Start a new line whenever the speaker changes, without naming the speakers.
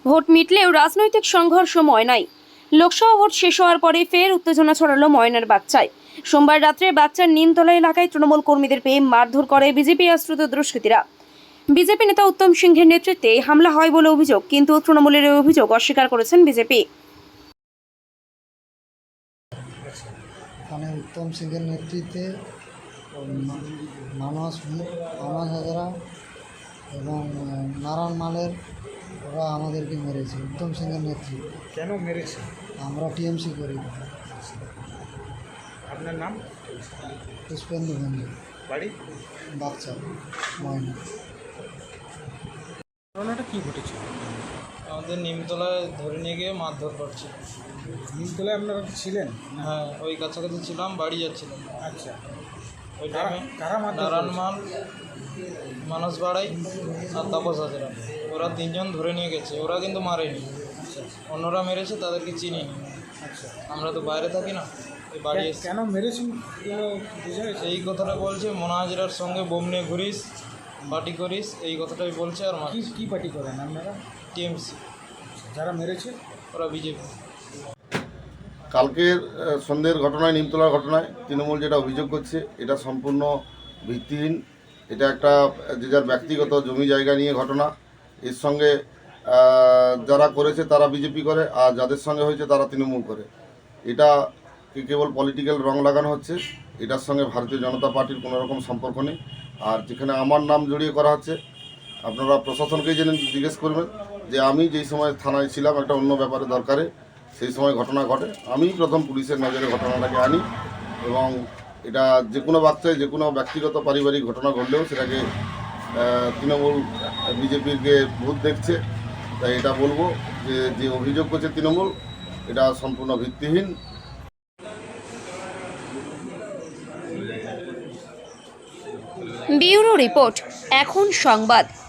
Vote মিটলেও রাজনৈতিক সংঘর্ষ ময়নায়। Lok Sabha vote শেষ হওয়ার পরে ফের উত্তেজনা ছড়ালো ময়নার বাগচায়। সোমবার রাত্রে বাগচার নিমতলা এলাকায় তৃণমূল কর্মীদের পেয়ে মারধর করে বিজেপি আশ্রিত দুষ্কৃতীরা। বিজেপি নেতা উত্তম সিংহের নেতৃত্বে হামলা হয় বলে অভিযোগ, কিন্তু তৃণমূলের এই অভিযোগ অস্বীকার করেছেন বিজেপি।
উত্তম সিংহের নেতৃত্বে মানস হাজরা এবং নারায়ণ মালের ওরা আমাদেরকে মেরেছে। উত্তম সিংহের নেতৃত্বে।
কেন মেরেছে?
আমরা টিএমসি করি।
আপনার নাম?
পুষ্পেন্দু ভঞ্জ,
বাড়ি
বাচ্চা ময়না।
ঘটনাটা কী ঘটেছে?
আমাদের নিমতলায় ধরে নিয়ে গিয়ে মারধর করছে।
নিমতলায় আপনারা ছিলেন?
হ্যাঁ, ওই কাছাকাছি ছিলাম, বাড়ি যাচ্ছিলাম।
আচ্ছা,
ওই টাইমে
কারা মারধর
নারায়ণ
করেছে?
মাল, মানস বাড়াই আর তাপস হাজরা, ওরা তিনজন ধরে নিয়ে গেছে। ওরা কিন্তু মারেনি,
আচ্ছা
অন্যরা মেরেছে, তাদেরকে চিনি নি।
আচ্ছা,
আমরা তো বাইরে থাকি না, এই বাড়ি এসে
কেন মেরেছেন বুঝে গেছে?
এই কথাটা বলছে, মোনা হাজরার সঙ্গে বোম নিয়ে ঘুরিস, পার্টি করিস, এই কথাটাই বলছে। আর
কি কি পার্টি করেন আপনারা?
টিএমসি,
যারা মেরেছে
ওরা বিজেপি।
কালকের সন্ধ্যের ঘটনায়, নিমতলার ঘটনায় তৃণমূল যেটা অভিযোগ করছে এটা সম্পূর্ণ ভিত্তিহীন। এটা একটা যে যার ব্যক্তিগত জমি জায়গা নিয়ে ঘটনা। এর সঙ্গে যারা করেছে তারা বিজেপি করে, আর যাদের সঙ্গে হয়েছে তারা তৃণমূল করে। এটা কেবল পলিটিক্যাল রং লাগানো হচ্ছে। এটার সঙ্গে ভারতীয় জনতা পার্টির কোনো রকম সম্পর্ক নেই। আর যেখানে আমার নাম জড়িয়ে করা হচ্ছে, আপনারা প্রশাসনকেই জিজ্ঞেস করবেন যে আমি যেই সময় থানায় ছিলাম একটা অন্য ব্যাপারে দরকারে, সেই সময় ঘটনা ঘটে, আমি প্রথম পুলিশের নজরে ঘটনাটাকে আনি। এবং এটা যে কোনো বাচ্চায় যে কোনো ব্যক্তিগত পারিবারিক ঘটনা ঘটলেও সেটাকে তৃণমূল বিজেপিকে ভূত দেখছে। তাই এটা বলবো যে যে অভিযোগ করছে তৃণমূল, এটা সম্পূর্ণ ভিত্তিহীন।
ব্যুরো রিপোর্ট, এখন সংবাদ।